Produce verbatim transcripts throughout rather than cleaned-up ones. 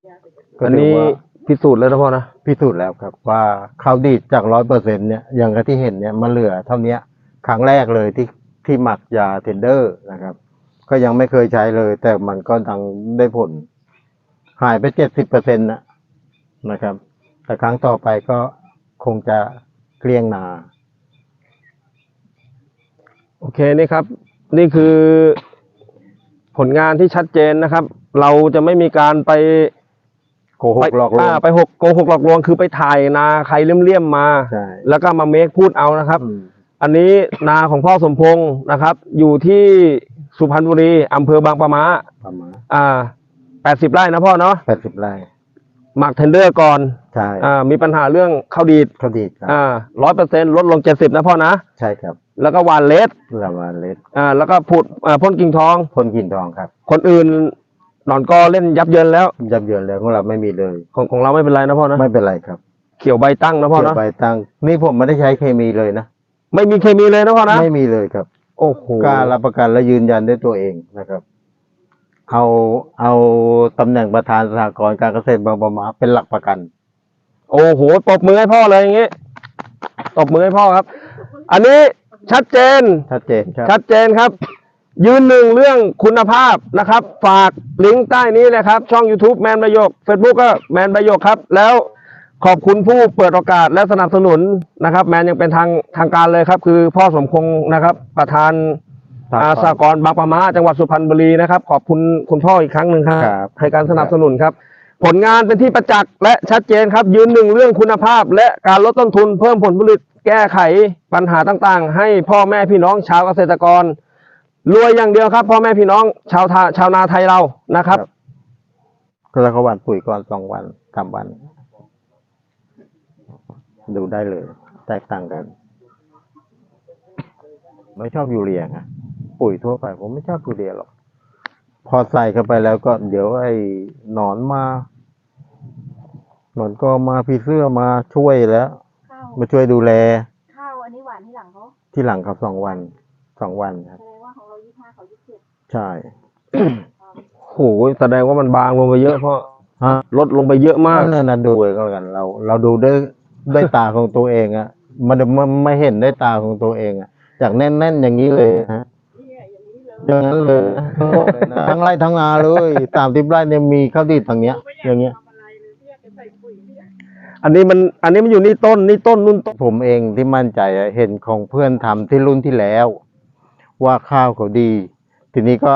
อันนี้พิสูจน์แล้วนะพ่อนะพิสูจน์แล้วครับว่าข้าวดีดจากร้อยเปอร์เซ็นเนี่ยอย่างที่เห็นเนี่ยมันเหลือเท่านี้ครั้งแรกเลยที่ที่หมักยาเทนเดอร์นะครับก็ยังไม่เคยใช้เลย แต่มันก็ดังได้ผล หายไปเจ็ดสิบเปอร์เซ็นต์นะนะครับแต่ครั้งต่อไปก็คงจะเกลี้ยงนาโอเคนี่ครับ นี่คือผลงานที่ชัดเจนนะครับ เราจะไม่มีการไปโกหกหลอกลวงไปหกโกหกหลอกลวงคือไปถ่ายนาใครเลี่ยมๆมาแล้วก็มาเมคพูดเอานะครับอันนี้นาของพ่อสมพงษ์นะครับ อยู่ที่สุพรรณบุรีอำเภอบางปะมาประมาณอ่าแปดสิบไร่นะพ่อเนาะแปดสิบไร่หมักเทนเดอร์ก่อนใช่อ่ามีปัญหาเรื่องข้าวดีดข้าวดีดครับอ่าร้อยเปอร์เซ็นต์ลดลงเจ็ดสิบนะพ่อนะใช่ครับแล้วก็หวานเลสแล้วหวานเลสอ่าแล้วก็ผุดอ่าพ่นกิ่งทองพ่นกิ่งทองครับคนอื่นหนอนกอเล่นยับเยินแล้วยับเยินแล้วของเราไม่มีเลยของของเราไม่เป็นไรนะพ่อนะไม่เป็นไรครับเขียวใบตั้งนะพ่อนะเขียวใบตั้งนี่ผมไม่ได้ใช้เคมีเลยนะไม่มีเคมีเลยนะพ่อนะไม่มีเลยครับโอ้โหกล้ารับประกันและยืนยันด้วยตัวเองนะครับเอาเอาตำแหน่งประธานสหกรณ์การเกษตรบางปะมาเป็นหลักประกันโอ้โหตบมือให้พ่อเลยอย่างงี้ตบมือให้พ่อครับ อันนี้ชัดเจนชัดเจนครับชัดเจนครับยืนหนึ่งเรื่องคุณภาพนะครับ ฝากลิงก์ใต้นี้เลยครับช่อง YouTube แมนประโยค Facebook ก็แมนประโยคครับแล้วขอบคุณผู้เปิดโอกาสและสนับสนุนนะครับแมนยังเป็นทางทางการเลยครับคือพ่อสมพงษ์นะครับประธานอาสากรบางปะมาจังหวัดสุพรรณบุรีนะครับขอบคุณคุณพ่ออีกครั้งหนึ่งครับให้การสนับสนุนครับผลงานเป็นที่ประจักษ์และชัดเจนครับยืนหนึ่งเรื่องคุณภาพและการลดต้นทุนเพิ่มผลผลิตแก้ไขปัญหาต่างๆให้พ่อแม่พี่น้องชาวเกษตรกรรวยอย่างเดียวครับพ่อแม่พี่น้องชาวทาชาวนาไทยเรานะครับแล้วก็หว่านปุ๋ยก่อนสองวันสามวันดูได้เลยแตกต่างกันไม่ชอบยูเรียไงปุ๋ยทั่วไปผมไม่ชอบยูเรียหรอกพอใส่เข้าไปแล้วก็เดี๋ยวไอ้หนอนมาหนอนก็มาพี่เสื้อมาช่วยแล้วมาช่วยดูแลข้าวอันนี้หวานที่หลังเขาที่หลังครับสองวันสองวันครับแสดงว่าของเรายี่ห้าเขายี่สิบใช่โหแสดงว่ามันบางลงไปเยอะเพราะลดลงไปเยอะมากนั่นนะดูก็แล้วกันเราเราดูด้วยด้วยตาของตัวเองอะมันมันไม่เห็นด้วยตาของตัวเองอะจากแน่นๆอย่างนี้เลยฮะอย่างนั้นเลยทั้งไร่ทั้งนาเลยสามสิบไร่เนี่ยมีข้าวดีดทางเนี้ยอย่างเงี้ยอันนี้มันอันนี้มันอยู่นี่ต้นนี่ต้นนุ่นต้นผมเองที่มั่นใจเห็นของเพื่อนทำที่รุ่นที่แล้วว่าข้าวเขาดีทีนี้ก็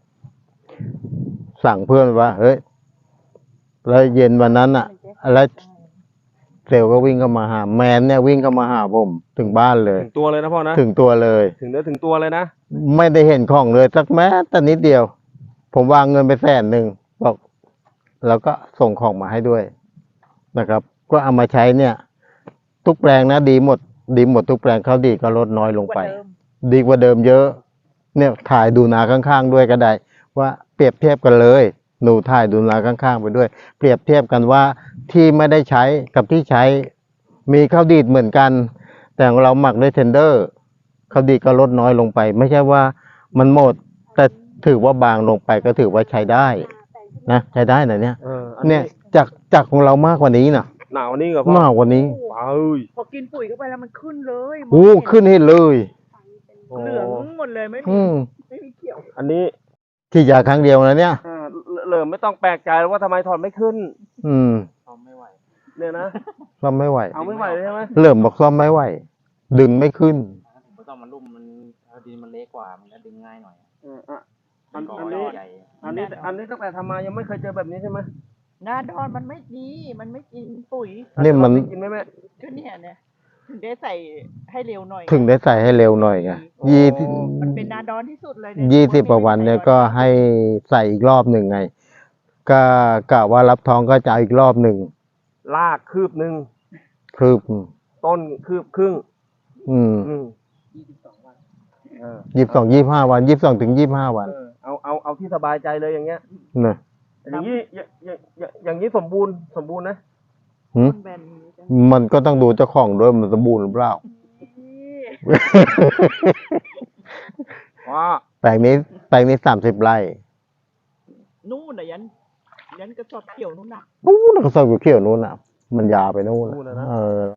สั่งเพื่อนว่าเฮ้ยแล้วเย็นวันนั้นอ่ะแล้วเซลก็วิ่งเข้ามาหาแมนเนี่ยวิ่งเข้ามาหาผมถึงบ้านเลยถึงตัวเลยนะพ่อนะถึงตัวเลยถึงเนื้อถึงตัวเลยนะไม่ได้เห็นของเลยสักแม้แต่นิดเดียวผมวางเงินไปแสนหนึ่งบอกแล้วก็ส่งของมาให้ด้วยนะครับก็เอามาใช้เนี่ยทุกแปลงนะดีหมดดีหมดทุกแปลงเขาดีก็ลดน้อยลงไปดีกว่าเดิมเยอะเนี่ยถ่ายดูนาข้างๆด้วยก็ได้ว่าเปรียบเทียบกันเลยหนูถ่ายดูนาข้างๆไปด้วยเปรียบเทียบกันว่าที่ไม่ได้ใช้กับที่ใช้มีข้าวดีดเหมือนกันแต่ของเราหมักด้วยเทนเดอร์ข้าวดีดก็ลดน้อยลงไปไม่ใช่ว่ามันหมดแต่ถือว่าบางลงไปก็ถือว่าใช้ได้นะใช้ได้นะเนี่ยเนี่ยจากจากของเรามากกว่านี้นะหนาวนี้กับมากกว่านี้พอกินปุ๋ยเข้าไปแล้วมันขึ้นเลยโอ้ขึ้นเห็นเลยเหลืองหมดเลยไม่มีไม่มีเขียวอันนี้ที่ยาครั้งเดียวนะเนี่ยเหลิมไม่ต้องแปลกใจว่าทำไมถอนไม่ขึ้นอืมซ่อมไม่ไหวเนี่ยนะซ่อมไม่ไหวเอาไม่ไหวเลยใช่ไหมเหลิมบอกซ่อมไม่ไหวดึงไม่ขึ้นไม่ต้องมันลุ่มมันดินมันเล็กกว่ามันจะดึงง่ายหน่อยอันนี้อันนี้อันนี้ตั้งแต่ทำมายังไม่เคยเจอแบบนี้ใช่ไหมหน้าดอนมันไม่ดีมันไม่กินปุ๋ยนี่มันกินไหมแม่ก็เนี่ยเนี่ยถึงได้ใส่ให้เร็วหน่อยถึงได้ใส่ให้เร็วหน่อยไงยี่มันเป็นนาดอนที่สุดเลยยี่สิบกว่าวันเนี่ยก็ให้ใส่อีกรอบหนึ่งไงก็กะว่ารับท้องก็จะอีกรอบหนึ่งลากคืบหนึ่งคืบต้นคืบครึ่งอืมยี่สิบสองวันยี่สิบสองยี่ห้าวันยี่สิบสองถึงยี่ห้าวันเอาเอาเอาที่สบายใจเลยอย่างเงี้ยนะอย่างนี้อย่างอย่างนี้สมบูรณ์สมบูรณ์นะมันก็ต้องดูเจ้าของด้วยมันสมบูรณ์หรือเปล่าว่าแปลงนี้แปลงนี้สามสิบไร่นู่นน่ะยันยันกระสอบเขียวนู่นน่ะนู้นกระสอบเขียวๆนู้นอ่ะ มันยาวไปนู้นนู่นน่ะนะเออ